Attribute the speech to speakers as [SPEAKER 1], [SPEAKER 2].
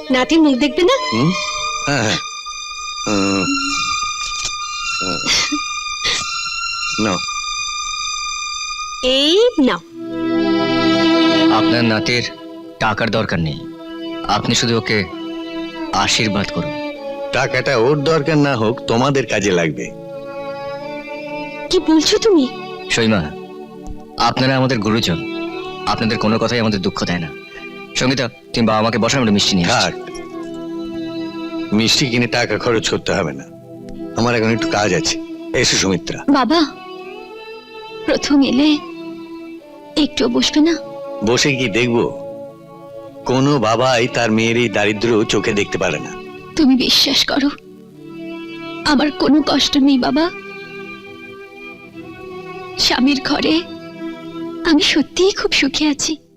[SPEAKER 1] নাতির মুখ দেখবে না?
[SPEAKER 2] হ্যাঁ হ্যাঁ নাও।
[SPEAKER 1] এই নাও।
[SPEAKER 3] আপনার নাতির টাকার দরকার নেই, আপনি শুধু ওকে আশীর্বাদ করুন।
[SPEAKER 2] টাকাটা ওর দরকার না হোক, তোমাদের কাজে লাগবে।
[SPEAKER 1] কি বলছো তুমি?
[SPEAKER 3] সীমা, আপনারা আমাদের গুরুজন, আপনাদের কোনো কথাই আমাদের দুঃখ দেয় না। সঙ্গীতা, তুমি বাবা আমাকে বসার আমরা মিষ্টি নিয়ে আসছি।
[SPEAKER 2] থাক, মিষ্টি কিনে টাকা খরচ করতে হবে না, আমার এখন একটু কাজ আছে। এসো সুমিত্রা।
[SPEAKER 4] বাবা, প্রথম এলে একটু বসবে না?
[SPEAKER 2] বসে কি দেখবো? কোনো বাবাই তার মেয়ের এই দারিদ্র চোখে দেখতে পারে না।
[SPEAKER 4] তুমি বিশ্বাস করো, আমার কোনো কষ্ট নেই বাবা। স্বামীর ঘরে আমি সত্যিই খুব সুখে আছি।